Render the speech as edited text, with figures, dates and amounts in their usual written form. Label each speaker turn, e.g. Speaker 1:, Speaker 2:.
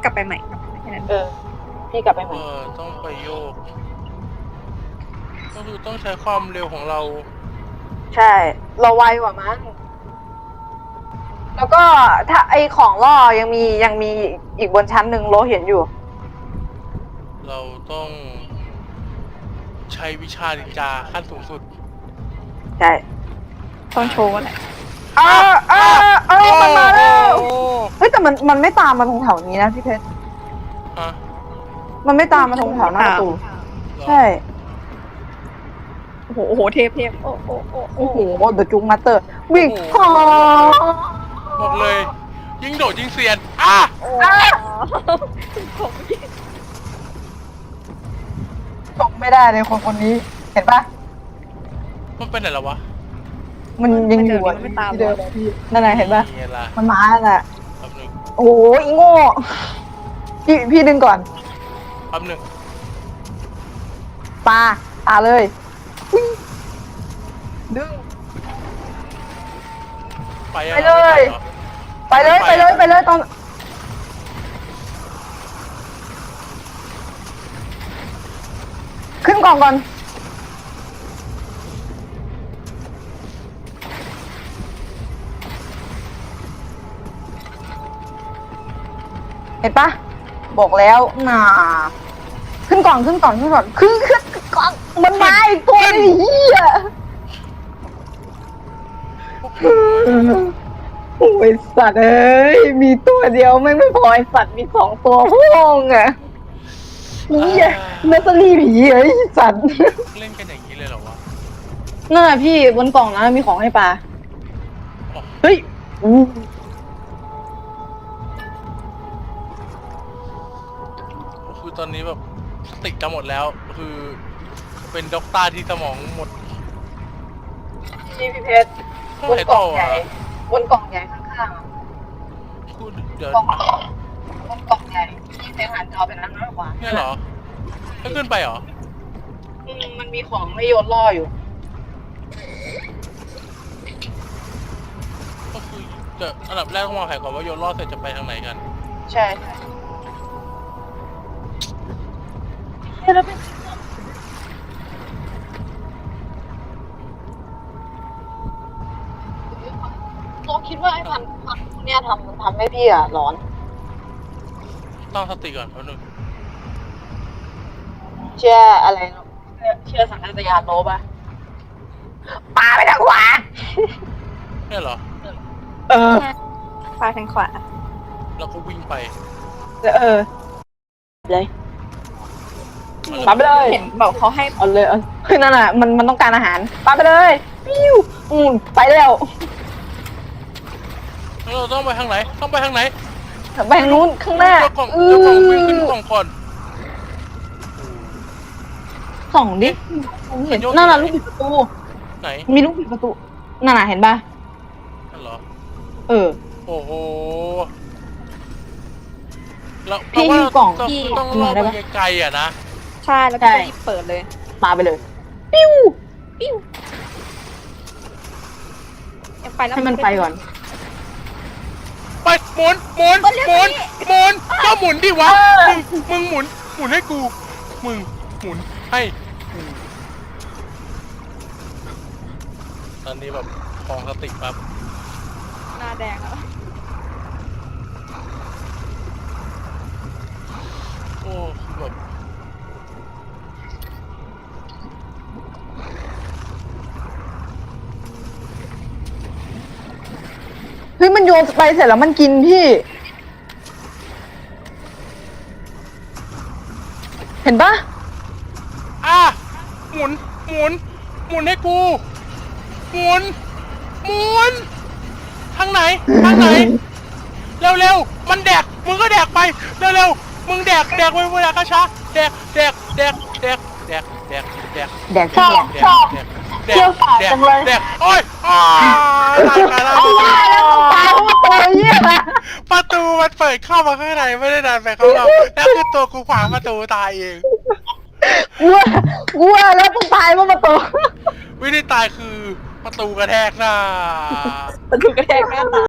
Speaker 1: กลับไปใหม่แค่นั้น
Speaker 2: พี่กลับไปใหม่
Speaker 3: ต้องไปโยกก็คือต้องใช้ความเร็วของเรา
Speaker 2: ใช่ เราไวกว่ามั้งแล้วก็ถ้าไอของล่อยังมีอีกบนชั้นหนึ่งโลเห็นอยู่
Speaker 3: เราต้องใช้วิชานินจาขั้นสูงสุด
Speaker 2: ใช่
Speaker 1: ต้องโชว์แหละ
Speaker 2: มันมาแล้ว
Speaker 3: โอ้
Speaker 2: เฮ้ยแต่มันไม่ตามมาตรงแถวนี้นะพี่เพชร
Speaker 3: ฮะ
Speaker 2: มันไม่ตามมาตรงแถวหน้าประตู
Speaker 3: เหรอ
Speaker 2: ใช่
Speaker 1: โอ้โหเทพโอ้
Speaker 2: โอ้โหเดอะจุงมาสเตอร์วิ่งพอ
Speaker 3: บอกเลย ยิงโดดยิงเซียนอ่ะ
Speaker 2: ตกไม่ได้เลยคนนี้ เห็นปะ
Speaker 3: มันเป็นไหนแล้ววะ
Speaker 2: มันยังอยู่อะที่เดิมอะพี่นั่นไงเห็นปะ
Speaker 3: นี่ล่ะ
Speaker 2: มันมาแล้วแหละ
Speaker 3: แป๊บหนึง
Speaker 2: โอ้โหอีโง่พี่ดึงก่อน
Speaker 3: แป๊บหนึง
Speaker 2: ปาเลยวิ่งดึง
Speaker 3: ไปยัง
Speaker 2: ไปเลย
Speaker 3: ไม่หรอ
Speaker 2: ไปเลยตอนขึ้นกล่องก่อนเห็นปะบอกแล้วน่าขึ้นกล่องขึ้นกล่องมันมาอีกตัวนึงเหี้ยโอ้ยสัตว์เอ้ยมีตัวเดียวไม่พอไอสัตว์มี2 ตัวห้องอ่ะนี่เนสซอรี่ผีไอ้สัตว์
Speaker 3: เล่นกันอย่างนี้เลยเหรอวะ
Speaker 2: นั่นแหละพี่บนกล่องนั้นมีของให้ปลา
Speaker 3: อ๋อ
Speaker 2: เฮ้ย
Speaker 3: คือตอนนี้แบบสติจะหมดแล้ว คือเป็นด็อกเตอร์ที่สมองหมด
Speaker 2: พี่เพชร
Speaker 3: เท่าไหร่ต่ออ่ะ
Speaker 2: บนกล่องใหญ่ข้างๆอะ
Speaker 3: กูเดี๋ยว
Speaker 2: บนกล่องใหญ่ที่เพชรหันจอเป็นนั้นมากกว่า
Speaker 3: เนี่ยเหรอไม่ขึ้นไปเหรอ
Speaker 2: มันมีของให้โยนล่ออยู่
Speaker 3: ก็คือจะอันดับแรกต้องวางแผนก่อนว่าโยนรอดเสร็จจะไปทางไหนกัน
Speaker 2: ใช่เราคิดว่าไอ้พันเนี่ยทำให้พี่อ่ะร้อน
Speaker 3: ตั้งสติก่อนแป๊บนึง
Speaker 2: เชื่ออะไรเนอะเชื่อสัญชาตญาณโลป่ะปาไปทางขวา
Speaker 3: เนี่ยเหรอ
Speaker 1: ปลาทางขวา
Speaker 3: แล้วก็วิ่งไป
Speaker 2: เลยปาไปเลย
Speaker 1: เห็นบอกเขาให้
Speaker 2: เอาเลยคือนั่นน่ะมันต้องการอาหารปาไปเลยปิ้วไปแล้ว
Speaker 3: แล้วเราต้องไปทางไหน ต้องไปทางไหน
Speaker 2: ไปทางนู้นข้างหน้า
Speaker 3: เจ้ากล่องเจ้ากล่องวิ่งขึ้นกล่องก่อน
Speaker 2: ส่องดิเห็นนั่นน่ะลูกบิดประตู
Speaker 3: ไหน
Speaker 2: มีลูกบิดประตูนั่นน่ะเห็นป่ะ
Speaker 3: นั่นเหรอ
Speaker 2: โอ้โห
Speaker 3: แล้ว
Speaker 2: พี่หิ้วกล่อง
Speaker 3: ต้องล่อไปไกลๆอ่ะนะ
Speaker 1: ใช่แล้วก็รีบเปิดเลย
Speaker 2: ปาไปเลยปิ้ว
Speaker 1: ยังไปแล้ว
Speaker 2: ให้มันไปก่อน
Speaker 3: ไปหมุนก็หมุนดิวะมึงหมุนให้กู มึงหมุนให้กูตอนนี้แบบคลองสติปั๊บ
Speaker 1: หน้าแดงแล้ว
Speaker 3: โอ้แบบ
Speaker 2: เฮ้ยมันโยนไปเสร็จแล้วมันกินพี่ เห็นปะ
Speaker 3: หมุนให้กู หมุนทางไหน เร็วมันแดกมึงก็แดกไปเร็วมึงแดกไปเวลากระช้าแดกโอ้ยแดกแดกตายแล้วประตูมันเปิดเข้ามาข้างในไม่ได้ดันไปข้างนอกแล้วคือตัวกูขวางประตูตายเอง
Speaker 2: กลัวแล้วต้องตายเพราะประตู
Speaker 3: วิธีตายคือประตูกระแทกหน้า
Speaker 1: ประตูกระแทกหน้าตา